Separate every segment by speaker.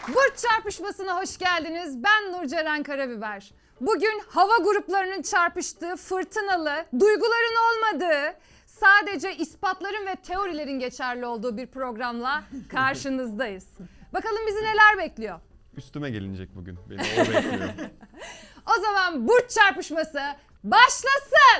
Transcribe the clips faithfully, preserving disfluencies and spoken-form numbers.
Speaker 1: Burç çarpışmasına hoş geldiniz. Ben Nurceren Karabiber. Bugün hava gruplarının çarpıştığı, fırtınalı, duyguların olmadığı, sadece ispatların ve teorilerin geçerli olduğu bir programla karşınızdayız. Bakalım bizi neler bekliyor?
Speaker 2: Üstüme gelinecek bugün. Beni o bekliyor.
Speaker 1: O zaman burç çarpışması başlasın.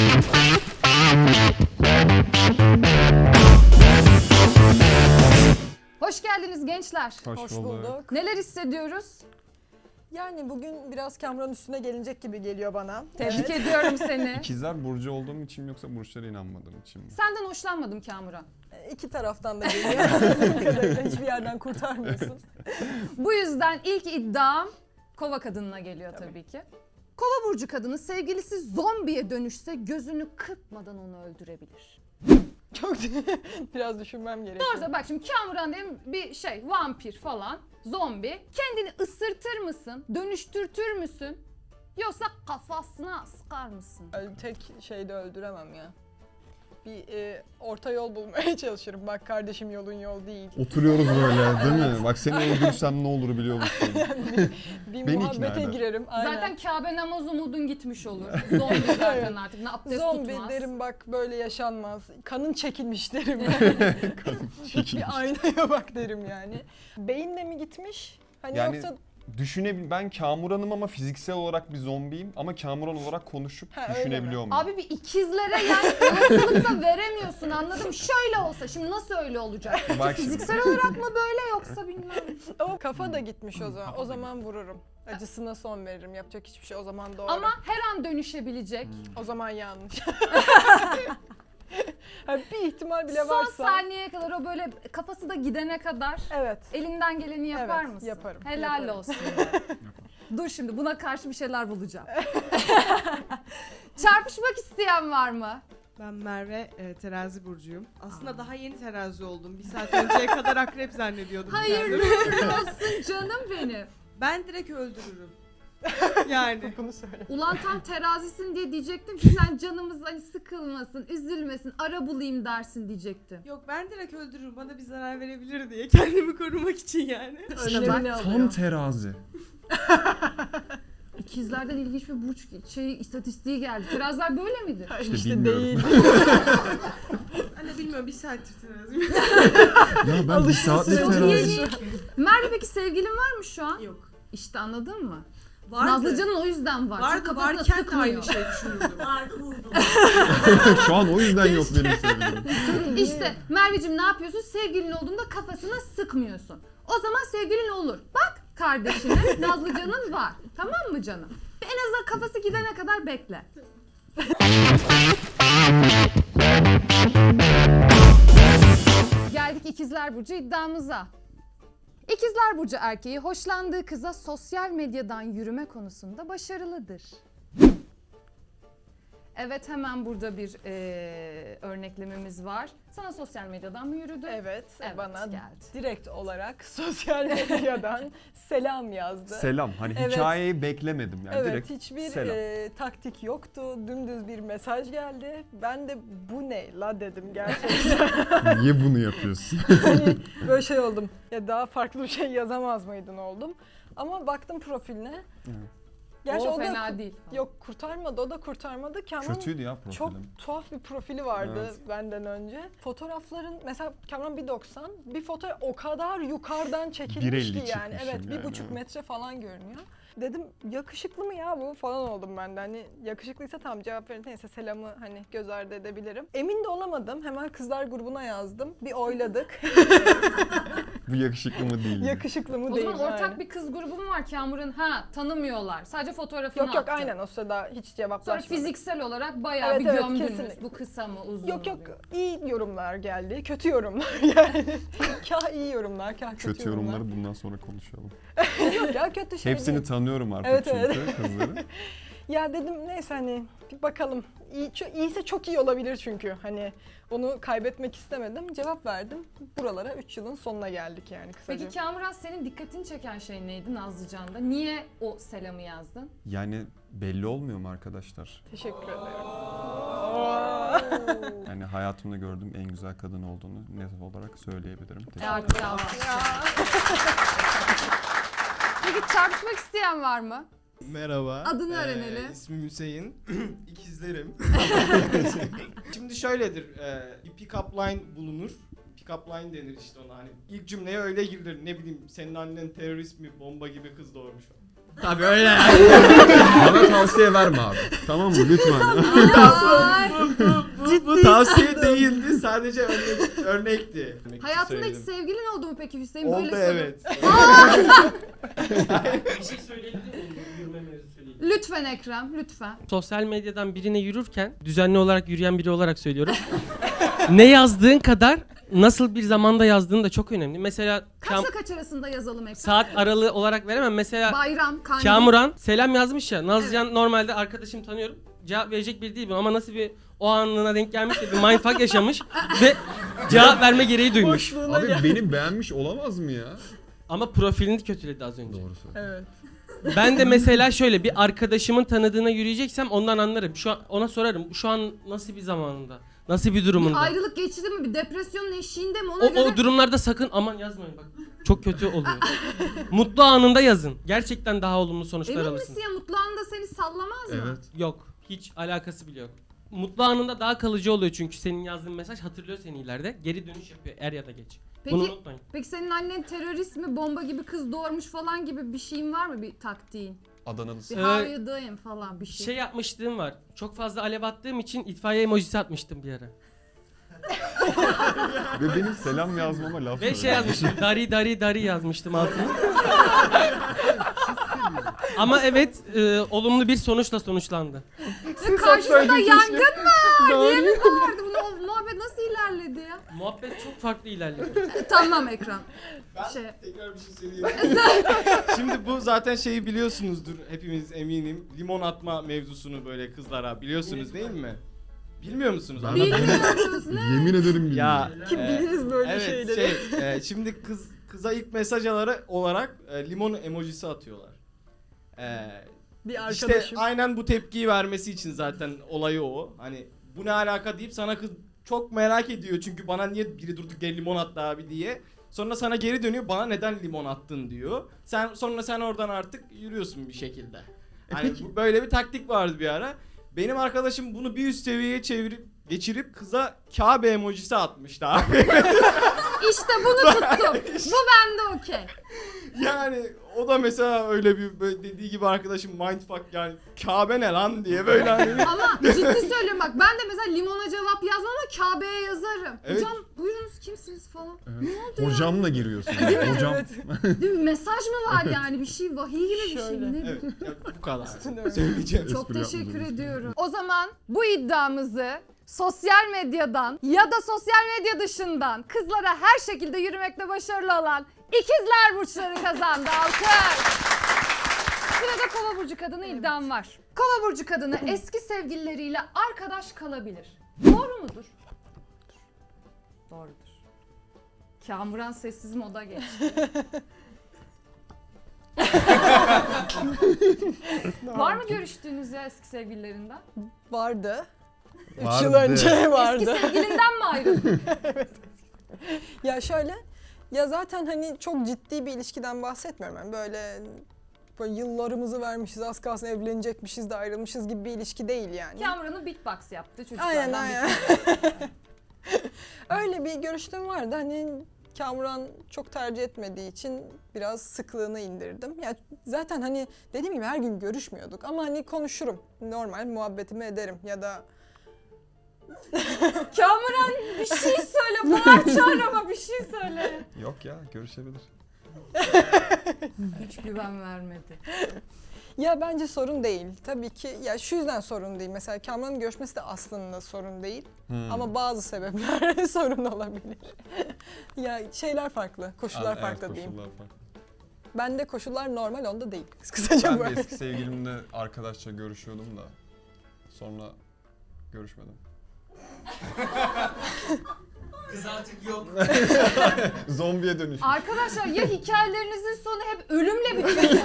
Speaker 1: Hoş geldiniz gençler.
Speaker 2: Hoş,
Speaker 3: Hoş
Speaker 2: bulduk.
Speaker 3: bulduk.
Speaker 1: Neler hissediyoruz?
Speaker 3: Yani bugün biraz Kamran üstüne gelinecek gibi geliyor bana.
Speaker 1: Tebrik ediyorum seni.
Speaker 2: İkizler burcu olduğum için mi yoksa burçlara inanmadığım için mi?
Speaker 1: Senden hoşlanmadım Kamuran.
Speaker 3: İki taraftan da geliyor. Bu kadarıyla hiçbir yerden kurtarmıyorsun.
Speaker 1: Bu yüzden ilk iddiam Kova kadınına geliyor tabii, tabii ki. Kova burcu kadını sevgilisi zombiye dönüşse gözünü kırpmadan onu öldürebilir.
Speaker 3: Çok biraz düşünmem gerekiyor.
Speaker 1: Doğrusu bak şimdi Kamuran diyelim bir şey vampir falan, zombi. Kendini ısırtır mısın, dönüştürtür müsün? Yoksa kafasına sıkar mısın?
Speaker 3: Yani tek şeyde öldüremem ya. Bir e, orta yol bulmaya çalışırım. Bak kardeşim yolun yol değil.
Speaker 2: Oturuyoruz böyle değil mi? Bak seni öldürsem ne olur biliyor musun?
Speaker 3: bir bir
Speaker 2: Beni
Speaker 3: muhabbete
Speaker 2: ikna eder.
Speaker 3: girerim. Aynen.
Speaker 1: Zaten Kabe namaz umudun gitmiş olur. Zombi zaten artık ne abdest
Speaker 3: Zombi
Speaker 1: tutmaz.
Speaker 3: derim bak böyle yaşanmaz. Kanın çekilmiş derim.
Speaker 2: Kadın çekilmiş.
Speaker 3: Bir aynaya bak derim yani. Beyinle mi gitmiş? Hani
Speaker 2: Yani
Speaker 3: yoksa
Speaker 2: düşünebil ben Kamuran'ım ama fiziksel olarak bir zombiyim ama Kamuran olarak konuşup
Speaker 3: Ha, öyle
Speaker 2: düşünebiliyor muyum?
Speaker 1: Abi bir ikizlere yani olasılık da veremiyorsun, anladım. Şöyle olsa şimdi nasıl öyle olacak?
Speaker 2: Bak şimdi.
Speaker 1: Fiziksel olarak mı böyle yoksa bilmem.
Speaker 3: o kafa da gitmiş o zaman. O zaman vururum. Acısına son veririm. Yapacak hiçbir şey o zaman doğru.
Speaker 1: Ama her an dönüşebilecek.
Speaker 3: o zaman yanlış. Ha, bir ihtimal bile
Speaker 1: Son
Speaker 3: varsa.
Speaker 1: saniyeye kadar o böyle kafası da gidene kadar
Speaker 3: Evet.
Speaker 1: elinden geleni yapar
Speaker 3: Evet,
Speaker 1: mısın?
Speaker 3: yaparım,
Speaker 1: Helal
Speaker 3: yaparım.
Speaker 1: olsun. Dur şimdi buna karşı bir şeyler bulacağım. Çarpışmak isteyen var mı?
Speaker 4: Ben Merve, e, terazi burcuyum. Aslında Aa. daha yeni terazi oldum. Bir saat önceye kadar akrep zannediyordum.
Speaker 1: Hayırlı
Speaker 4: kendimi.
Speaker 1: olsun canım benim.
Speaker 4: Ben direkt öldürürüm. Yani.
Speaker 3: Bunu söyle.
Speaker 1: Ulan tam terazisin diye diyecektim ki sen canımız hani sıkılmasın, üzülmesin, ara bulayım dersin diyecektim.
Speaker 4: Yok ben direkt öldürürüm. Bana bir zarar verebilir diye. Kendimi korumak için yani.
Speaker 1: İşte bak,
Speaker 3: Önlemini
Speaker 2: Tam
Speaker 3: alıyor.
Speaker 2: terazi.
Speaker 1: İkizlerden ilginç bir burç şey istatistiği geldi. Teraziler böyle midir?
Speaker 2: İşte
Speaker 3: İşte
Speaker 2: bilmiyorum.
Speaker 3: değil.
Speaker 4: Anne bilmiyorum bir saattir teraziyim.
Speaker 2: Ya ben bir saatlik
Speaker 1: Çok
Speaker 2: terazi.
Speaker 1: yeni. Merve peki sevgilin var mı şu an?
Speaker 4: Yok.
Speaker 1: İşte anladın mı?
Speaker 4: Vardı.
Speaker 1: Nazlıcan'ın o yüzden var. Çünkü
Speaker 4: Vardı
Speaker 1: kafasına
Speaker 4: varken de
Speaker 1: sıkmıyor.
Speaker 4: aynı şey düşünürdüm.
Speaker 2: Şu an o yüzden yok benim sevgilim.
Speaker 1: İşte Merveciğim ne yapıyorsun? Sevgilin olduğunda kafasına sıkmıyorsun. O zaman sevgilin olur. Bak kardeşine Nazlıcan'ın var. Tamam mı canım? En azından kafası gidene kadar bekle. Geldik İkizler Burcu iddiamıza. İkizler Burcu erkeği hoşlandığı kıza sosyal medyadan yürüme konusunda başarılıdır. Evet, hemen burada bir e, örneklememiz var. Sana sosyal medyadan mı yürüdü?
Speaker 3: Evet,
Speaker 1: Evet,
Speaker 3: bana
Speaker 1: geldi.
Speaker 3: direkt olarak sosyal medyadan selam yazdı.
Speaker 2: Selam. Hani
Speaker 3: Evet.
Speaker 2: hikayeyi beklemedim yani
Speaker 3: Evet,
Speaker 2: direkt
Speaker 3: hiçbir
Speaker 2: selam.
Speaker 3: e, taktik yoktu. Dümdüz bir mesaj geldi. Ben de bu ne la dedim gerçekten.
Speaker 2: Niye bunu yapıyorsun?
Speaker 3: Hani böyle şey oldum. Ya daha farklı bir şey yazamaz mıydın oldum. Ama baktım profiline.
Speaker 2: Evet.
Speaker 3: Gerçi
Speaker 1: o,
Speaker 3: o, da
Speaker 1: fena değil.
Speaker 3: yok kurtarmadı. O da kurtarmadı. Kamran
Speaker 2: Kötüydü ya profilim.
Speaker 3: çok tuhaf bir profili vardı
Speaker 2: Evet.
Speaker 3: benden önce. Fotoğrafların mesela Kamran bir doksan, bir fotoğraf o kadar yukarıdan çekilmiş
Speaker 2: bir elli
Speaker 3: ki yani.
Speaker 2: çıkmışım
Speaker 3: Evet, bir
Speaker 2: yani.
Speaker 3: buçuk metre falan görünüyor. Dedim yakışıklı mı ya bu falan oldum ben de. Hani yakışıklıysa tamam cevap verin. Neyse selamı hani göz ardı edebilirim. Emin de olamadım. Hemen kızlar grubuna yazdım. Bir oyladık.
Speaker 2: Bu yakışıklı mı değil mi?
Speaker 3: Yakışıklı mı
Speaker 1: O
Speaker 3: değil
Speaker 1: zaman
Speaker 3: mi?
Speaker 1: ortak
Speaker 3: Aynen.
Speaker 1: bir kız grubu mu var Kamur'un? Ha, tanımıyorlar. Sadece fotoğrafını
Speaker 3: Yok yok
Speaker 1: attı.
Speaker 3: aynen o sırada hiç
Speaker 1: Sonra
Speaker 3: cevaplaşmadık.
Speaker 1: fiziksel olarak bayağı
Speaker 3: Evet,
Speaker 1: bir
Speaker 3: evet,
Speaker 1: gömdünüz.
Speaker 3: kesinlikle.
Speaker 1: Bu kısa mı uzun
Speaker 3: Yok
Speaker 1: mu
Speaker 3: yok
Speaker 1: diye.
Speaker 3: iyi yorumlar geldi. Kötü yorumlar yani. Kah iyi yorumlar, kah kötü,
Speaker 2: Kötü yorumları bundan sonra konuşalım.
Speaker 3: Yok ya kötü şey
Speaker 2: Hepsini
Speaker 3: değil.
Speaker 2: tanıyorum artık
Speaker 3: Evet,
Speaker 2: çünkü
Speaker 3: evet.
Speaker 2: kızları.
Speaker 3: Ya dedim neyse hani bir bakalım. İyi, ço- iyiyse çok iyi olabilir çünkü. Hani onu kaybetmek istemedim. Cevap verdim. Buralara üç yılın sonuna geldik yani kısaca.
Speaker 1: Peki Kamuran, senin dikkatini çeken şey neydi Nazlıcan'da? Niye o selamı yazdın?
Speaker 2: Yani belli olmuyor mu arkadaşlar?
Speaker 3: Teşekkür ederim.
Speaker 2: Yani hayatımda gördüğüm en güzel kadın olduğunu net olarak söyleyebilirim. Teşekkür
Speaker 1: Artık alkış. Peki çarpışmak isteyen var mı?
Speaker 5: Merhaba.
Speaker 1: Adını öğrenelim.
Speaker 5: İsmim Hüseyin. İkizlerim. Şimdi şöyledir. E, bir pick-up line bulunur. Pick-up line denir işte ona. Hani ilk cümleye öyle girilir. Ne bileyim senin annen terörist mi, bomba gibi kız doğurmuş. Tabii öyle yani.
Speaker 2: Bana tavsiye verme abi. Tamam mı? Lütfen.
Speaker 1: Ay.
Speaker 5: bu, bu tavsiye değildi. Sadece örnek, örnekti. Demek ki
Speaker 1: Hayatında hiç
Speaker 5: söyledim.
Speaker 1: sevgilin oldu mu peki Hüseyin?
Speaker 5: Oldu
Speaker 1: Böyle soru.
Speaker 5: evet.
Speaker 6: Bir şey söyleyebilir miyim? Yürüme mevzu söyleyeyim.
Speaker 1: Lütfen Ekrem, lütfen.
Speaker 6: Sosyal medyadan birine yürürken, düzenli olarak yürüyen biri olarak söylüyorum. Ne yazdığın kadar nasıl bir zamanda yazdığın da çok önemli. Mesela
Speaker 1: Kaçla
Speaker 6: Kam-
Speaker 1: kaç arasında yazalım Ekrem?
Speaker 6: saat aralığı olarak veremem. Mesela
Speaker 1: Bayram, kandil.
Speaker 6: Kamuran selam yazmış ya. Nazcan normalde arkadaşım tanıyorum. Cevap verecek biri değil bu ama nasıl bir o anına denk gelmiş de bir mindfuck yaşamış ve cevap verme gereği duymuş.
Speaker 2: Abi beni beğenmiş olamaz mı ya?
Speaker 6: Ama profilini kötüledi az önce.
Speaker 2: Doğru söylüyorsun.
Speaker 3: Evet.
Speaker 6: Ben de mesela şöyle bir arkadaşımın tanıdığına yürüyeceksem ondan anlarım. Şu an ona sorarım. Şu an nasıl bir zamanında? Nasıl bir durumunda?
Speaker 1: Bir ayrılık geçti mi? Bir depresyonun eşiğinde mi? Ona
Speaker 6: O,
Speaker 1: göre...
Speaker 6: o durumlarda sakın aman yazmayın bak. Çok kötü oluyor. Mutlu anında yazın. Gerçekten daha olumlu sonuçlar
Speaker 1: Emin
Speaker 6: alırsınız.
Speaker 1: misin ya mutlu anda seni sallamaz mı?
Speaker 2: Evet.
Speaker 6: Yok. Hiç alakası bile yok. Mutlu anında daha kalıcı oluyor çünkü senin yazdığın mesaj hatırlıyor seni ileride. Geri dönüş yapıyor er ya da geç.
Speaker 1: Peki,
Speaker 6: Bunu unutmayın.
Speaker 1: peki senin annen terörist mi, bomba gibi kız doğurmuş falan gibi bir şeyin var mı, bir taktiğin?
Speaker 2: Adana'lısı.
Speaker 1: Bir
Speaker 6: Ee,
Speaker 1: how you doing falan bir şey.
Speaker 6: Şey yapmışlığım var. Çok fazla alev attığım için itfaiye emojisi atmıştım bir ara.
Speaker 2: Ve benim selam yazmama laf
Speaker 6: Ve şey
Speaker 2: söyledi.
Speaker 6: yazmıştım. Dari dari dari yazmıştım altına. Ama evet e, olumlu bir sonuçla sonuçlandı.
Speaker 1: Ve karşısında yangın mı diye mi bağırdı? Bu muhabbet nasıl ilerledi ya?
Speaker 6: Muhabbet çok farklı ilerledi.
Speaker 1: E, tamam Ekrem.
Speaker 5: Ben
Speaker 1: Şey.
Speaker 5: tekrar bir şey söyleyeyim. Şimdi bu zaten şeyi biliyorsunuzdur hepimiz eminim. Limon atma mevzusunu böyle kızlara biliyorsunuz değil mi? Bilmiyor musunuz?
Speaker 2: Ben-
Speaker 5: Anlatayım.
Speaker 1: Bilmiyoruz ne?
Speaker 2: Yemin ederim bilmiyorum.
Speaker 5: Ya
Speaker 3: Kim
Speaker 5: e,
Speaker 3: biliriz böyle
Speaker 5: evet,
Speaker 3: şeyleri.
Speaker 5: şey, e, şimdi kız kıza ilk mesaj alarak olarak e, limon emojisi atıyorlar. E,
Speaker 3: Bir
Speaker 5: işte
Speaker 3: arkadaşım.
Speaker 5: aynen bu tepkiyi vermesi için zaten olayı o. Hani bu ne alaka deyip sana kız çok merak ediyor çünkü bana niye biri durduk yere limon attı abi diye. Sonra sana geri dönüyor bana neden limon attın diyor. Sen sonra sen oradan artık yürüyorsun bir şekilde. Hani bu- böyle bir taktik vardı bir ara. Benim arkadaşım bunu bir üst seviyeye çevirip geçirip kıza Kabe emojisi atmıştı abi.
Speaker 1: İşte bunu tuttum. Bu bende okey.
Speaker 5: Yani o da mesela öyle bir böyle dediği gibi arkadaşım mindfuck yani Kabe ne lan diye böyle hani.
Speaker 1: Ama ciddi söylüyorum bak, ben de mesela limona cevap yazmam ama Kabe'ye yazarım.
Speaker 5: Evet.
Speaker 1: Hocam buyurunuz kimsiniz falan.
Speaker 2: Evet.
Speaker 1: Ne oldu ya?
Speaker 2: Hocamla giriyorsun. Yani. Hocam.
Speaker 1: Değil mi? Mesaj mı var yani, bir şey, vahiy gibi bir şey
Speaker 3: Şöyle.
Speaker 1: mi? Ne
Speaker 5: Evet ya bu kadar.
Speaker 3: öyle.
Speaker 5: Söyleyeceğim.
Speaker 1: Çok
Speaker 2: Espri
Speaker 1: teşekkür
Speaker 2: yapmadınız.
Speaker 1: ediyorum. O zaman bu iddiamızı sosyal medyadan ya da sosyal medya dışından kızlara her şekilde yürümekte başarılı olan ikizler burçları kazandı. Alkış. Sırada Kova burcu kadını iddiam var. Kova burcu kadını eski sevgilileriyle arkadaş kalabilir. Doğru mudur? Doğrudur. Kamuran sessiz moda geçti. Var mı görüştüğünüz ya eski sevgililerinden?
Speaker 3: Vardı. Üç
Speaker 2: Vardı.
Speaker 3: yıl önce vardı.
Speaker 1: Eski sevgilinden mi ayrıldın?
Speaker 3: Ya şöyle, ya zaten hani çok ciddi bir ilişkiden bahsetmiyorum. Yani böyle, böyle yıllarımızı vermişiz, az kalsın evlenecekmişiz de ayrılmışız gibi bir ilişki değil yani.
Speaker 1: Kamuran'ı beatbox yaptı çocuklardan.
Speaker 3: Aynen
Speaker 1: bir
Speaker 3: aynen. Öyle bir görüştüm vardı. Hani Kamuran çok tercih etmediği için biraz sıklığını indirdim. Yani zaten hani dediğim gibi her gün görüşmüyorduk ama hani konuşurum. Normal muhabbetimi ederim ya da
Speaker 1: Kamuran bir şey söyle, bağır çağır ama bir şey söyle.
Speaker 2: Yok ya görüşebilir.
Speaker 1: Hiç güven vermedi.
Speaker 3: ya bence sorun değil. Tabii ki ya şu yüzden sorun değil. Mesela Kamuran'ın görüşmesi de aslında sorun değil.
Speaker 2: Hmm.
Speaker 3: Ama bazı sebepler sorun olabilir. ya şeyler farklı, koşullar
Speaker 2: Evet,
Speaker 3: farklı diyeyim.
Speaker 2: koşullar farklı.
Speaker 3: Bende koşullar normal, onda değil. Kısaca
Speaker 2: Ben de
Speaker 3: böyle.
Speaker 2: eski sevgilimle arkadaşça görüşüyordum da sonra görüşmedim.
Speaker 6: Kız artık yok.
Speaker 2: Zombiye dönüş.
Speaker 1: Arkadaşlar ya hikayelerinizin sonu hep ölümle bitiyor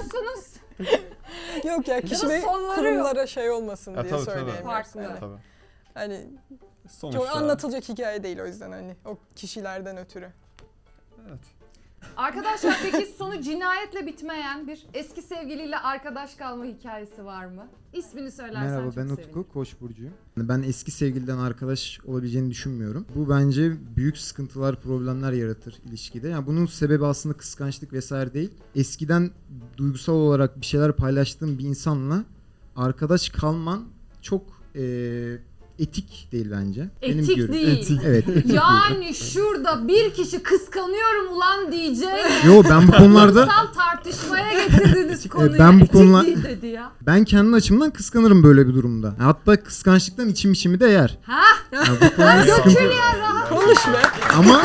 Speaker 1: söyleyemiyorsunuz.
Speaker 3: Yok ya kişi
Speaker 1: da
Speaker 3: ve
Speaker 1: sonları
Speaker 3: kurumlara şey olmasın
Speaker 2: Ha,
Speaker 3: diye
Speaker 2: tabii, tabii.
Speaker 3: söyleyemiyorum.
Speaker 1: Farklı.
Speaker 3: Evet.
Speaker 2: Tabii.
Speaker 3: Hani
Speaker 2: Sonuçta.
Speaker 3: çok anlatılacak hikaye değil o yüzden hani o kişilerden ötürü.
Speaker 2: Evet.
Speaker 1: Arkadaşlar peki sonu cinayetle bitmeyen bir eski sevgiliyle arkadaş kalma hikayesi var mı? İsmini söylersen
Speaker 7: Merhaba,
Speaker 1: çok
Speaker 7: ben
Speaker 1: sevinirim.
Speaker 7: Utku, Koç burcuyum. Ben eski sevgiliden arkadaş olabileceğini düşünmüyorum. Bu bence büyük sıkıntılar, problemler yaratır ilişkide. Yani bunun sebebi aslında kıskançlık vesaire değil. Eskiden duygusal olarak bir şeyler paylaştığın bir insanla arkadaş kalman çok eee, etik değil bence.
Speaker 1: Etik
Speaker 7: görüşüm-
Speaker 1: değil.
Speaker 7: Etik, evet, etik değil.
Speaker 1: Yani şurada bir kişi kıskanıyorum ulan diyeceğim.
Speaker 7: Yo, ben bu konularda
Speaker 1: Kutsal tartışmaya getirdiniz konuyu.
Speaker 7: ben bu
Speaker 1: Etik
Speaker 7: konular-
Speaker 1: değil dedi ya.
Speaker 7: ben kendi açımdan kıskanırım böyle bir durumda. Hatta kıskançlıktan içim içimi de yer.
Speaker 1: Ha?
Speaker 7: Yani bu konuda sıkıntı-
Speaker 3: Konuş be.
Speaker 7: Ama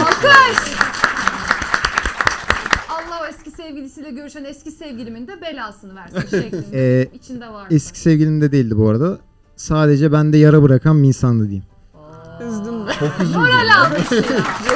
Speaker 1: Allah o eski sevgilisiyle görüşen eski sevgilimin de belasını versin şeklinde.
Speaker 7: Ee,
Speaker 1: İçinde var.
Speaker 7: eski sevgilim de değildi bu arada. Sadece bende yara bırakan bir insandı diyeyim.
Speaker 3: Üzdün be.
Speaker 2: Çok üzüldüm.
Speaker 1: Moral almış ya.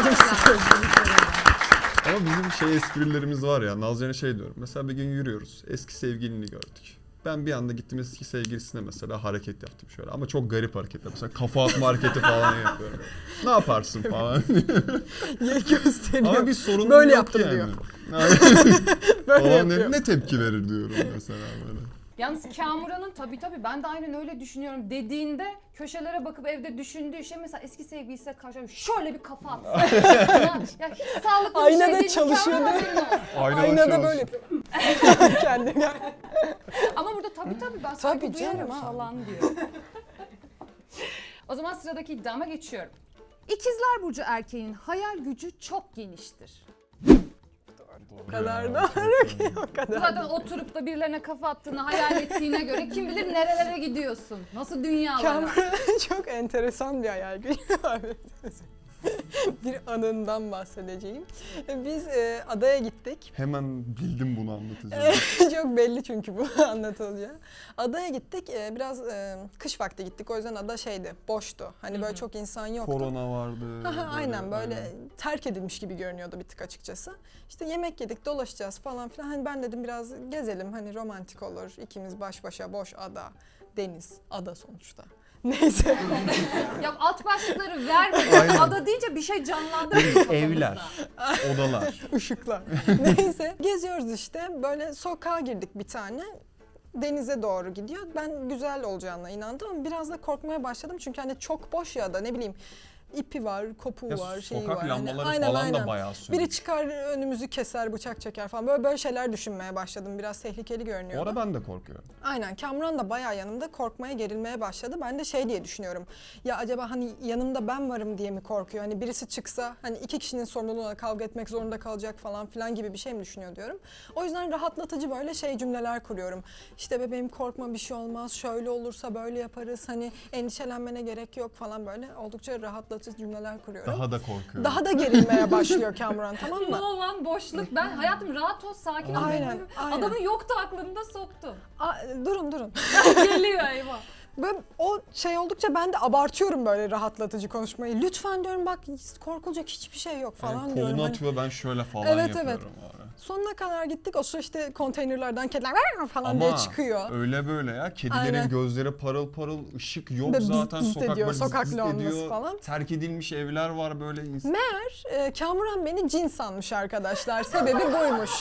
Speaker 2: Ama bizim şey esprilerimiz var ya. Nazlı'ya şey diyorum. Mesela bir gün yürüyoruz. Eski sevgilini gördük. Ben bir anda gittim eski sevgilisine mesela hareket yaptım şöyle. Ama çok garip hareketler. Mesela kafa atma hareketi falan yapıyorum. Ne yaparsın falan.
Speaker 3: Ye gösteriyor.
Speaker 2: Ama bir sorun
Speaker 3: Böyle
Speaker 2: yok
Speaker 3: yaptım
Speaker 2: yani.
Speaker 3: diyor.
Speaker 2: falan
Speaker 3: Böyle
Speaker 2: ne,
Speaker 3: yapıyor.
Speaker 2: ne tepki verir diyorum mesela böyle.
Speaker 1: Yalnız Kamuran'ın tabii tabii ben de aynen öyle düşünüyorum dediğinde köşelere bakıp evde düşündüğü şey mesela eski sevgilisiyle karşı şöyle bir kafa atsa. ya, ya hiç sağlıklı bir şey
Speaker 3: Aynada
Speaker 1: değil.
Speaker 3: çalışıyor
Speaker 1: Kamuran
Speaker 3: değil mi?
Speaker 1: haberin olsun.
Speaker 2: Aynada,
Speaker 3: Aynada
Speaker 2: çalışıyor.
Speaker 3: böyle yapıyor. Kendine.
Speaker 1: Ama burada tabii tabii ben saygı
Speaker 3: Tabii
Speaker 1: duyarım
Speaker 3: canım.
Speaker 1: falan diyor. O zaman sıradaki iddiama geçiyorum. İkizler Burcu erkeğinin hayal gücü çok geniştir.
Speaker 3: O kadar da o kadar.
Speaker 1: Zaten oturup da birilerine kafa attığını hayal ettiğine göre kim bilir nerelere gidiyorsun. Nasıl dünyalara.
Speaker 3: Kamuran'ın çok enteresan bir hayal gücü var. Bir anından bahsedeceğim. Biz e, adaya gittik.
Speaker 2: Hemen bildim bunu anlatacağım.
Speaker 3: Çok belli çünkü bu anlatılıyor. Adaya gittik. e, biraz e, kış vakti gittik. O yüzden ada şeydi, boştu. Hani böyle çok insan yoktu.
Speaker 2: Korona vardı.
Speaker 3: Aha, aynen böyle
Speaker 2: aynen.
Speaker 3: terk edilmiş gibi görünüyordu bir tık açıkçası. İşte yemek yedik, dolaşacağız falan filan. Hani ben dedim biraz gezelim, hani romantik olur. İkimiz baş başa, boş ada, deniz, ada sonuçta. Neyse.
Speaker 1: Ya alt başlıkları vermeyin. Ada deyince bir şey canlandırmayın kafamızda.
Speaker 2: Evler, odalar.
Speaker 3: Işıklar. Neyse geziyoruz işte, böyle sokağa girdik bir tane. Denize doğru gidiyor. Ben güzel olacağına inandım ama biraz da korkmaya başladım. Çünkü hani çok boş ya da ne bileyim ipi var, kopuğu
Speaker 2: Ya
Speaker 3: var, şeyi
Speaker 2: sokak
Speaker 3: var. Hani
Speaker 2: lambaları
Speaker 3: aynen,
Speaker 2: falan
Speaker 3: aynen.
Speaker 2: da bayağı sönük.
Speaker 3: Biri çıkar önümüzü keser, bıçak çeker falan. Böyle böyle şeyler düşünmeye başladım. Biraz tehlikeli
Speaker 2: O
Speaker 3: görünüyordu.
Speaker 2: ara ben de korkuyorum.
Speaker 3: Aynen. Kamuran da bayağı yanımda korkmaya, gerilmeye başladı. Ben de şey diye düşünüyorum. Ya acaba hani yanımda ben varım diye mi korkuyor? Hani birisi çıksa hani iki kişinin sorumluluğuna kavga etmek zorunda kalacak falan filan gibi bir şey mi düşünüyor diyorum. O yüzden rahatlatıcı böyle şey cümleler kuruyorum. İşte bebeğim korkma, bir şey olmaz. Şöyle olursa böyle yaparız. Hani endişelenmene gerek yok falan böyle. Oldukça rahatlatıcı cümleler kuruyorum.
Speaker 2: Daha da korkuyorum.
Speaker 3: Daha da gerilmeye başlıyor Kamuran, tamam
Speaker 1: Ne
Speaker 3: mı?
Speaker 1: olan boşluk. Ben hayatım rahat ol, sakin ol.
Speaker 3: Aynen,
Speaker 1: Benim
Speaker 3: aynen.
Speaker 1: Adamın yoktu aklında soktu.
Speaker 3: Aa, durun durun.
Speaker 1: Geliyor eyvah.
Speaker 3: Böyle o şey oldukça ben de abartıyorum böyle rahatlatıcı konuşmayı. Lütfen diyorum bak korkulacak hiçbir şey yok falan
Speaker 2: Yani
Speaker 3: diyorum.
Speaker 2: kolunu
Speaker 3: Hani
Speaker 2: atıyor ben şöyle falan
Speaker 3: Evet,
Speaker 2: yapıyorum.
Speaker 3: evet.
Speaker 2: o ara.
Speaker 3: sonuna kadar gittik. O sıra işte konteynerlerden kediler falan
Speaker 2: Ama
Speaker 3: diye çıkıyor.
Speaker 2: öyle böyle ya. Kedilerin
Speaker 3: Aynen.
Speaker 2: gözleri parıl parıl, ışık yok
Speaker 3: Ve bız
Speaker 2: zaten
Speaker 3: bız
Speaker 2: sokak
Speaker 3: ediyor,
Speaker 2: böyle
Speaker 3: sokak
Speaker 2: zıt
Speaker 3: lambası
Speaker 2: ediyor.
Speaker 3: falan.
Speaker 2: Terk edilmiş evler var böyle. ins-
Speaker 3: Ee, Kamuran beni cin sanmış arkadaşlar. Sebebi buymuş.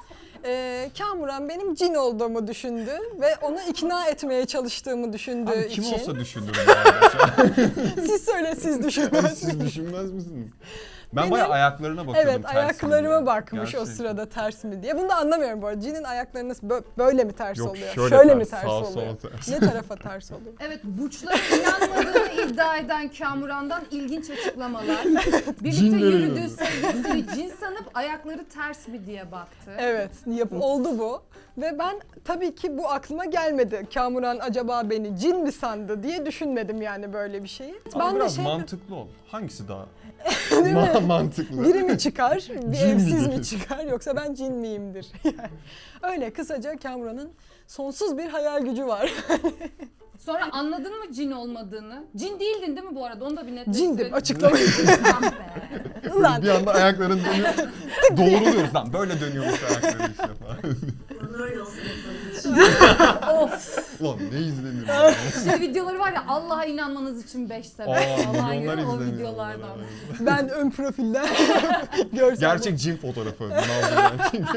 Speaker 3: Ee, Kamuran benim cin olduğumu düşündü ve onu ikna etmeye çalıştığımı düşündüğü
Speaker 2: Abi kim
Speaker 3: için.
Speaker 2: olsa düşündür bu arada.
Speaker 3: Siz söyle siz düşünmez
Speaker 2: Siz
Speaker 3: misiniz?
Speaker 2: düşünmez misiniz? Ben
Speaker 3: Benim-
Speaker 2: bayağı ayaklarına bakıyordum.
Speaker 3: Evet
Speaker 2: ters mi
Speaker 3: ayaklarıma
Speaker 2: diye.
Speaker 3: bakmış o
Speaker 2: Gerçekten.
Speaker 3: sırada ters mi diye. Bunu da anlamıyorum bu arada. Cinin ayakları nasıl bö- böyle mi ters
Speaker 2: Yok,
Speaker 3: oluyor?
Speaker 2: şöyle
Speaker 3: mi
Speaker 2: ters,
Speaker 3: ters
Speaker 2: sağ,
Speaker 3: oluyor?
Speaker 2: sol ters.
Speaker 3: Ne tarafa ters oluyor?
Speaker 1: Evet, burçlara inanmadığını iddia eden Kamuran'dan ilginç açıklamalar. Birlikte
Speaker 2: Cinlere
Speaker 1: yürüdüğü
Speaker 2: inanıyor.
Speaker 1: sevgilisini cin sanıp ayakları ters mi diye baktı.
Speaker 3: Evet, yap oldu bu. Ve ben tabii ki bu aklıma gelmedi. Kamuran acaba beni cin mi sandı diye düşünmedim yani böyle bir şeyi.
Speaker 2: Ama
Speaker 3: ben de
Speaker 2: biraz
Speaker 3: şey
Speaker 2: mantıklı ol. Hangisi daha
Speaker 3: Değil mi?
Speaker 2: Ma- mantıklı?
Speaker 3: biri mi çıkar, bir
Speaker 2: Cin
Speaker 3: evsiz
Speaker 2: midir?
Speaker 3: mi çıkar yoksa ben cin miyimdir? Yani öyle kısaca Kamuran'ın sonsuz bir hayal gücü var.
Speaker 1: Sonra anladın mı cin olmadığını? Cin değildin değil mi bu arada? Onu da bir netleştirelim.
Speaker 3: Cindim, açıklamayı.
Speaker 1: Ah be.
Speaker 3: Ulan
Speaker 2: Bir anda ayakların dönüyor. Doğruluyoruz lan. Böyle dönüyormuş ayakları işte falan.
Speaker 1: Of.
Speaker 2: Ulan ne izlenir ya.
Speaker 1: Şey videoları var ya Allah'a inanmanız için beş sebep
Speaker 2: Aa,
Speaker 1: falan
Speaker 2: milyonlar
Speaker 1: gibi o
Speaker 2: izleniyor.
Speaker 1: videolardan.
Speaker 2: vallahi.
Speaker 3: Ben ön profilden görsel.
Speaker 2: Gerçek cin fotoğrafı. Nazlı'dan.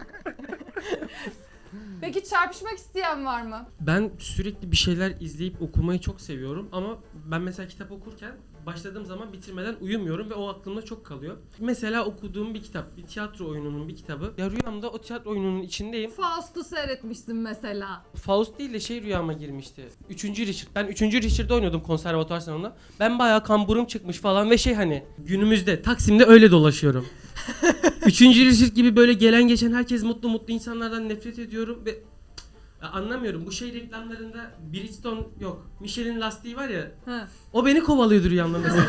Speaker 1: Peki çarpışmak isteyen var mı?
Speaker 6: Ben sürekli bir şeyler izleyip okumayı çok seviyorum ama ben mesela kitap okurken başladığım zaman bitirmeden uyumuyorum ve o aklımda çok kalıyor. Mesela okuduğum bir kitap, bir tiyatro oyununun bir kitabı. Ya rüyamda o tiyatro oyununun içindeyim.
Speaker 1: Faust'u seyretmişsin mesela.
Speaker 6: Faust değil de şey rüyama girmişti. Üçüncü Richard. Ben üçüncü Richard'da oynuyordum konservatuvar salonunda. Ben bayağı kamburum çıkmış falan ve şey hani günümüzde Taksim'de öyle dolaşıyorum. Üçüncü Richard gibi böyle gelen geçen herkes mutlu mutlu insanlardan nefret ediyorum ve ya anlamıyorum. Bu şey reklamlarında Bridgestone yok. Michelin lastiği var ya.
Speaker 1: Ha.
Speaker 6: O beni kovalıyordu rüyamda mesela.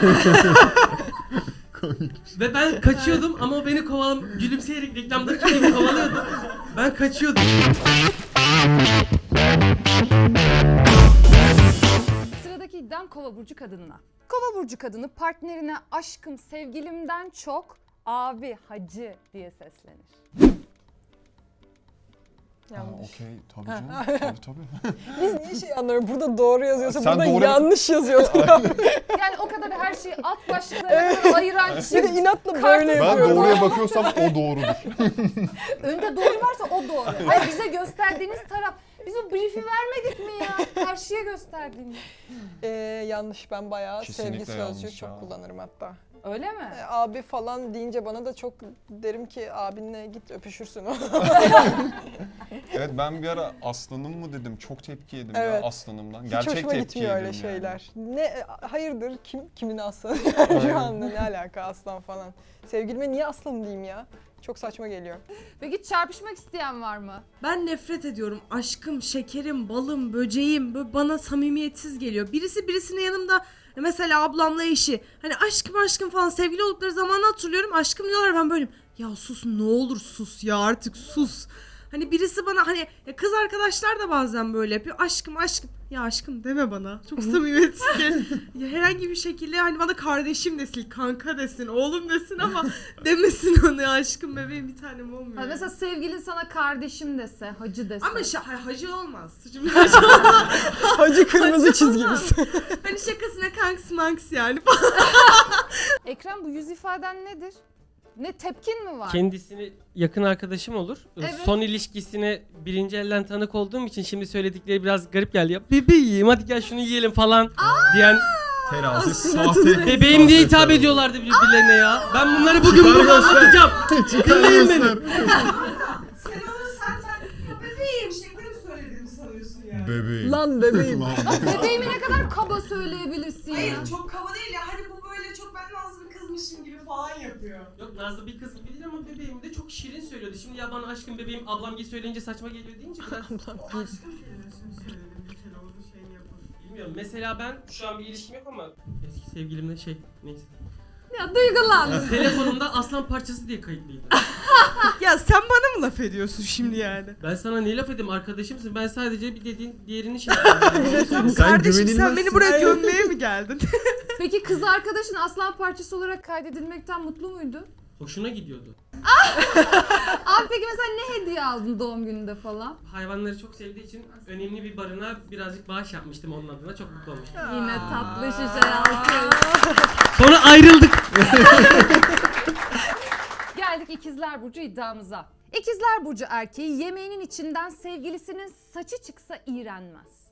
Speaker 6: Ve ben kaçıyordum ama o beni kovalam gülümseyerek reklamdaki gibi kovalıyordu. Ben kaçıyordum.
Speaker 1: Sıradaki iddiam Kova burcu kadınına. Kova burcu kadını partnerine aşkım sevgilimden çok abi hacı diye seslenir.
Speaker 2: Aa,
Speaker 3: Yanlış.
Speaker 2: okey tabii canım. tabii tabii.
Speaker 3: Biz niye şey anlıyorum? Burada doğru yazıyorsa
Speaker 2: Sen
Speaker 3: burada
Speaker 2: doğru-
Speaker 3: yanlış yazıyordu.
Speaker 1: Yani o kadar her şeyi alt başlıklarına ayıran
Speaker 3: Bir de
Speaker 1: çift.
Speaker 3: inatla
Speaker 1: Kartı-
Speaker 3: böyle
Speaker 2: Ben
Speaker 3: yapıyor.
Speaker 2: doğruya bakıyorsam o doğrudur.
Speaker 1: Önde doğru varsa o doğru. Hayır bize gösterdiğiniz taraf. Biz o brief'i vermedik mi ya? Karşıya gösterdiğiniz.
Speaker 3: Ee, yanlış, ben bayağı
Speaker 2: Kesinlikle
Speaker 3: sevgi
Speaker 2: yanlış
Speaker 3: sözcüğü çok
Speaker 2: ya.
Speaker 3: kullanırım hatta.
Speaker 1: Öyle mi?
Speaker 3: Ee, abi falan deyince bana da çok derim ki abinle git öpüşürsün o.
Speaker 2: Evet ben bir ara aslanım mı dedim. Çok tepki yedim
Speaker 3: Evet.
Speaker 2: ya aslanımdan.
Speaker 3: Hiç
Speaker 2: Gerçek
Speaker 3: hoşuma
Speaker 2: tepki
Speaker 3: gitmiyor öyle
Speaker 2: yedim yani.
Speaker 3: şeyler. Ne hayırdır, kim kimin aslanı?
Speaker 2: Aynen.
Speaker 3: Şu anda ne alaka aslan falan. Sevgilime niye aslan diyeyim ya? Çok saçma geliyor.
Speaker 1: Peki çarpışmak isteyen var mı?
Speaker 4: Ben nefret ediyorum. Aşkım, şekerim, balım, böceğim böyle bana samimiyetsiz geliyor. Birisi birisinin yanımda mesela ablamla eşi. Hani aşkım aşkım falan sevgili oldukları zamanı hatırlıyorum. Aşkım diyorlar, ben böyleyim. Ya sus, ne olur sus ya, artık sus. Hani birisi bana hani ya kız arkadaşlar da bazen böyle yapıyor. Aşkım aşkım. Ya aşkım deme bana. Çok samimiyetsiz ki. Ya herhangi bir şekilde hani bana kardeşim desin, kanka desin, oğlum desin ama demesin onu ya, aşkım bebeğim bir tanem olmuyor.
Speaker 1: Ha, mesela sevgilin sana kardeşim dese, hacı dese.
Speaker 4: Ama şa- ha- hacı olmaz. Şimdi hacı olmaz.
Speaker 3: Hacı kırmızı çizgimiz.
Speaker 4: Hani şakasına kanks manks yani.
Speaker 1: Ekrem, bu yüz ifaden nedir? Ne tepkin mi var?
Speaker 6: Kendisini yakın arkadaşım olur.
Speaker 1: Evet.
Speaker 6: Son ilişkisine birinci elden tanık olduğum için şimdi söyledikleri biraz garip geldi. Ya bebeğim hadi gel şunu yiyelim falan diyen
Speaker 2: Terazi sahte.
Speaker 6: bebeğim diye hitap
Speaker 2: sahte
Speaker 6: ediyorlardı birbirlerine ya. Ben bunları bugün burada
Speaker 2: göster.
Speaker 6: anlatacağım.
Speaker 2: Çıkar
Speaker 6: Dinleyin beni.
Speaker 2: göster.
Speaker 4: Sen onu zaten bebeğim şekerim söylediğimi sanıyorsun ya.
Speaker 2: Bebeğim.
Speaker 3: Lan bebeğim.
Speaker 2: Lan
Speaker 1: Bebeğimi ne kadar kaba söyleyebilirsin ya.
Speaker 4: Hayır çok kaba değil ya. Hani bu böyle çok ben nazlı bir kızmışım gibi falan yapıyor.
Speaker 6: Yok Nazlı bir kız gibi değil ama bebeğim de çok şirin söylüyordu. Şimdi ya bana aşkım bebeğim ablam gibi söyleyince saçma geliyor deyince biraz
Speaker 4: O aşkım kelimesini söyledim. Bir kere onu şey yapın.
Speaker 6: bilmiyorum. Mesela ben şu an bir ilişkim yok ama eski sevgilimle şey neyse.
Speaker 1: Ya duygulandım.
Speaker 6: Telefonumda aslan parçası diye kayıtlıydı.
Speaker 4: Ya sen bana mı laf ediyorsun şimdi yani?
Speaker 6: Ben sana ne laf edeyim, arkadaşımsın. Ben sadece bir dediğin diğerini şey yapıyorum.
Speaker 2: Sen
Speaker 4: Kardeşim sen
Speaker 2: güvenilmezsin.
Speaker 4: beni buraya gömmeye mi geldin?
Speaker 1: Peki kız arkadaşın aslan parçası olarak kaydedilmekten mutlu muydu?
Speaker 6: Hoşuna gidiyordu.
Speaker 1: Abi peki mesela ne hediye aldın doğum gününde falan?
Speaker 6: Hayvanları çok sevdiği için önemli bir barınağa birazcık bağış yapmıştım onun adına. Çok mutlu olmuştum.
Speaker 1: Yine tatlı şişe alkış.
Speaker 6: Sonra ayrıldık.
Speaker 1: Geldik İkizler Burcu iddiamıza. İkizler Burcu erkeği yemeğinin içinden sevgilisinin saçı çıksa iğrenmez.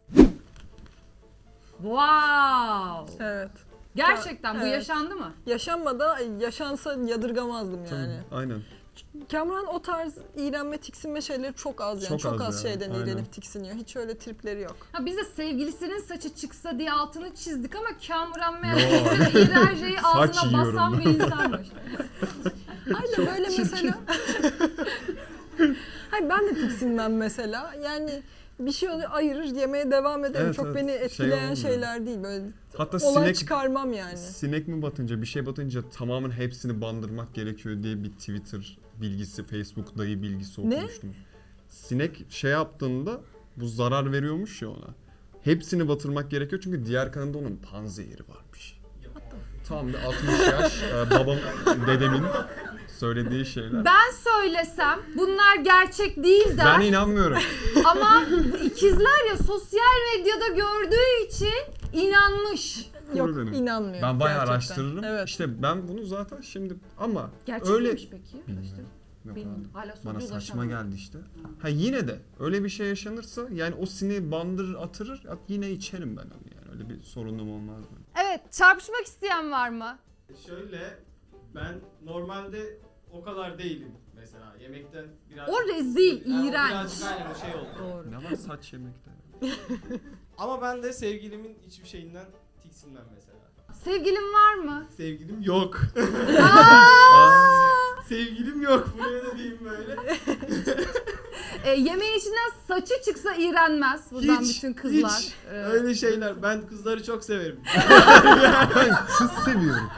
Speaker 1: Wow.
Speaker 3: Evet.
Speaker 1: Gerçekten bu
Speaker 3: Evet.
Speaker 1: yaşandı mı?
Speaker 3: Yaşanmadı, yaşansa yadırgamazdım yani.
Speaker 2: Aynen.
Speaker 3: Kamran o tarz iğrenme, tiksinme şeyleri çok az yani.
Speaker 2: Çok
Speaker 3: Çok,
Speaker 2: az
Speaker 3: az,
Speaker 2: ya,
Speaker 3: şeyden
Speaker 2: aynen.
Speaker 3: iğrenip tiksiniyor. Hiç öyle tripleri yok.
Speaker 1: Ha biz de sevgilisinin saçı çıksa diye altını çizdik ama Kamuran
Speaker 2: Yo.
Speaker 1: meğer iğrenceyi
Speaker 2: Saç
Speaker 1: ağzına
Speaker 2: yiyorum
Speaker 1: basan
Speaker 2: ben.
Speaker 1: bir insanmış.
Speaker 3: Aynen böyle mesela. Hayır ben de tiksinmem mesela. Yani bir şey oluyor, ayırır yemeye devam ederim.
Speaker 2: Evet,
Speaker 3: çok
Speaker 2: evet.
Speaker 3: beni
Speaker 2: Şey
Speaker 3: etkileyen
Speaker 2: olmuyor.
Speaker 3: şeyler değil. Böyle
Speaker 2: Hatta
Speaker 3: olay
Speaker 2: sinek
Speaker 3: çıkarmam yani.
Speaker 2: sinek mi batınca bir şey batınca tamamen hepsini bandırmak gerekiyor diye bir Twitter bilgisi, Facebook dayı bilgisi
Speaker 3: Ne?
Speaker 2: okumuştum. Sinek şey yaptığında bu zarar veriyormuş ya ona. Hepsini batırmak gerekiyor çünkü diğer kanında onun panzehiri varmış. Tam bir altmış yaş e, babam, dedemin söylediği şeyler.
Speaker 1: Ben söylesem bunlar gerçek değil der.
Speaker 2: Ben inanmıyorum.
Speaker 1: Ama bu ikizler ya sosyal medyada gördüğü için inanmış.
Speaker 3: Yok
Speaker 2: Benim.
Speaker 3: inanmıyorum.
Speaker 2: Ben bayağı
Speaker 3: gerçekten.
Speaker 2: araştırırım.
Speaker 3: Evet.
Speaker 2: İşte ben bunu zaten şimdi ama
Speaker 1: Gerçek
Speaker 2: öyle
Speaker 1: miymiş peki?
Speaker 2: Bilmiyorum. Yok
Speaker 1: Bilmiyorum.
Speaker 2: abi.
Speaker 1: Hala sonuca
Speaker 2: Bana saçma
Speaker 1: ulaşamadım.
Speaker 2: geldi işte. Ha yine de öyle bir şey yaşanırsa yani o sineği bandırır atırır yine içerim ben onu yani. Öyle bir sorunum olmaz benim.
Speaker 1: Evet, çarpışmak isteyen var mı?
Speaker 5: Şöyle ben normalde o kadar değilim mesela yemekten biraz...
Speaker 1: O rezil,
Speaker 5: Yani o
Speaker 1: iğrenç.
Speaker 5: Birazcık aynen o şey oldu.
Speaker 3: Doğru.
Speaker 2: Ne var saç yemekte?
Speaker 5: Ama ben de sevgilimin hiçbir şeyinden tiksinmem mesela.
Speaker 1: Sevgilin var mı?
Speaker 5: Sevgilim yok.
Speaker 1: Aa!
Speaker 5: Sevgilim yok. Buraya da diyeyim böyle.
Speaker 1: E, yemeğin içinden saçı çıksa iğrenmez. Buradan
Speaker 5: Hiç,
Speaker 1: bütün kızlar.
Speaker 5: hiç.
Speaker 1: e,
Speaker 5: Öyle şeyler. Ben kızları çok severim.
Speaker 2: Ben kız seviyorum.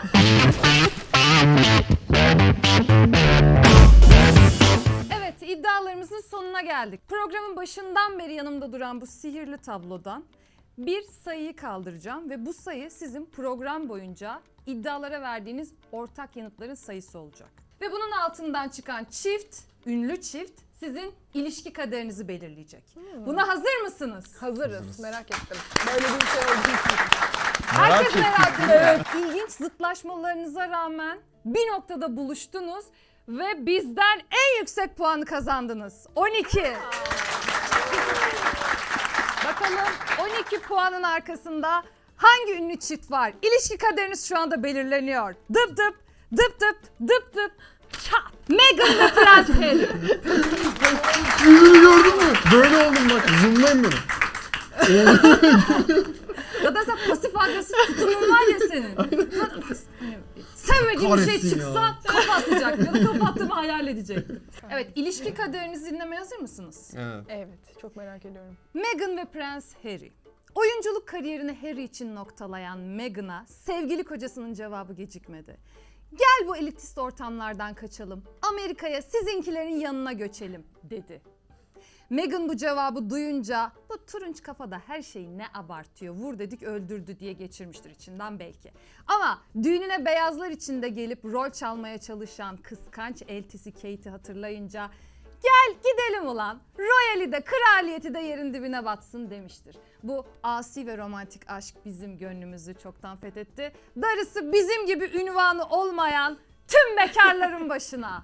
Speaker 1: Evet, iddialarımızın sonuna geldik. Programın başından beri yanımda duran bu sihirli tablodan bir sayıyı kaldıracağım ve bu sayı sizin program boyunca iddialara verdiğiniz ortak yanıtların sayısı olacak. Ve bunun altından çıkan çift, ünlü çift sizin ilişki kaderinizi belirleyecek. Buna hazır mısınız?
Speaker 3: Hazırız.
Speaker 2: Hazırız.
Speaker 3: Merak ettim. Böyle bir şey olduğu için.
Speaker 1: Herkes
Speaker 2: ettim.
Speaker 1: merak ediyor. Evet. İlginç zıtlaşmalarınıza rağmen bir noktada buluştunuz ve bizden en yüksek puanı kazandınız. on iki. Bakalım on iki puanın arkasında hangi ünlü çift var? İlişki kaderiniz şu anda belirleniyor. Dıp dıp, dıp dıp, dıp dıp, çat. Meghan ve Prens Harry.
Speaker 2: Yüzünü gördün mü? Böyle oldum bak. Zoomlayın beni.
Speaker 1: Ya da sen pasif agresif tutumun var ya senin. Sevmediğin bir şey
Speaker 2: Kahretsin
Speaker 1: çıksa
Speaker 2: ya.
Speaker 1: kafa atacak ya da kapattığımı hayal edecek. Evet, ilişki kaderinizi dinlemeye hazır mısınız?
Speaker 2: Evet.
Speaker 3: Evet. Çok merak ediyorum.
Speaker 1: Meghan ve Prens Harry. Oyunculuk kariyerini Harry için noktalayan Meghan'a sevgili kocasının cevabı gecikmedi. Gel bu elitist ortamlardan kaçalım, Amerika'ya sizinkilerin yanına göçelim dedi. Meghan bu cevabı duyunca bu turunç kafada her şeyi ne abartıyor, vur dedik öldürdü diye geçirmiştir içinden belki. Ama düğününe beyazlar içinde gelip rol çalmaya çalışan kıskanç eltisi Kate'i hatırlayınca gel gidelim ulan, royali de kraliyeti de yerin dibine batsın demiştir. Bu asi ve romantik aşk bizim gönlümüzü çoktan fethetti. Darısı bizim gibi ünvanı olmayan tüm bekarların başına.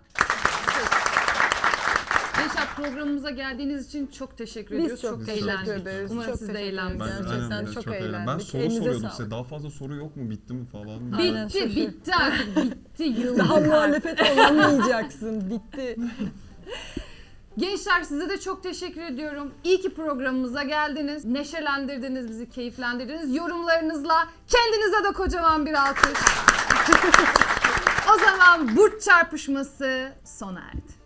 Speaker 1: Gençler, programımıza geldiğiniz için çok teşekkür ediyoruz.
Speaker 3: Biz çok,
Speaker 1: çok
Speaker 3: teşekkür
Speaker 1: eğlendik.
Speaker 3: ederiz.
Speaker 1: Umarım
Speaker 3: çok
Speaker 1: siz de
Speaker 3: teşekkür ederiz.
Speaker 1: eğlenmişsiniz.
Speaker 2: Ben,
Speaker 3: Gerçekten
Speaker 2: aynen,
Speaker 3: çok,
Speaker 2: çok
Speaker 3: eğlendik.
Speaker 2: Ben soru
Speaker 3: Elinize
Speaker 2: soruyordum
Speaker 3: sağlık.
Speaker 2: size. Daha fazla soru yok mu? Bitti mi falan?
Speaker 3: Aynen,
Speaker 1: Bitti,
Speaker 3: şaşır.
Speaker 1: bitti artık, bitti. Yıldık
Speaker 3: Daha
Speaker 1: artık.
Speaker 3: muhalefet olamayacaksın. Bitti.
Speaker 1: Gençler, size de çok teşekkür ediyorum. İyi ki programımıza geldiniz. Neşelendirdiniz bizi, keyiflendirdiniz. Yorumlarınızla kendinize de kocaman bir alkış. O zaman burç çarpışması sona erdi.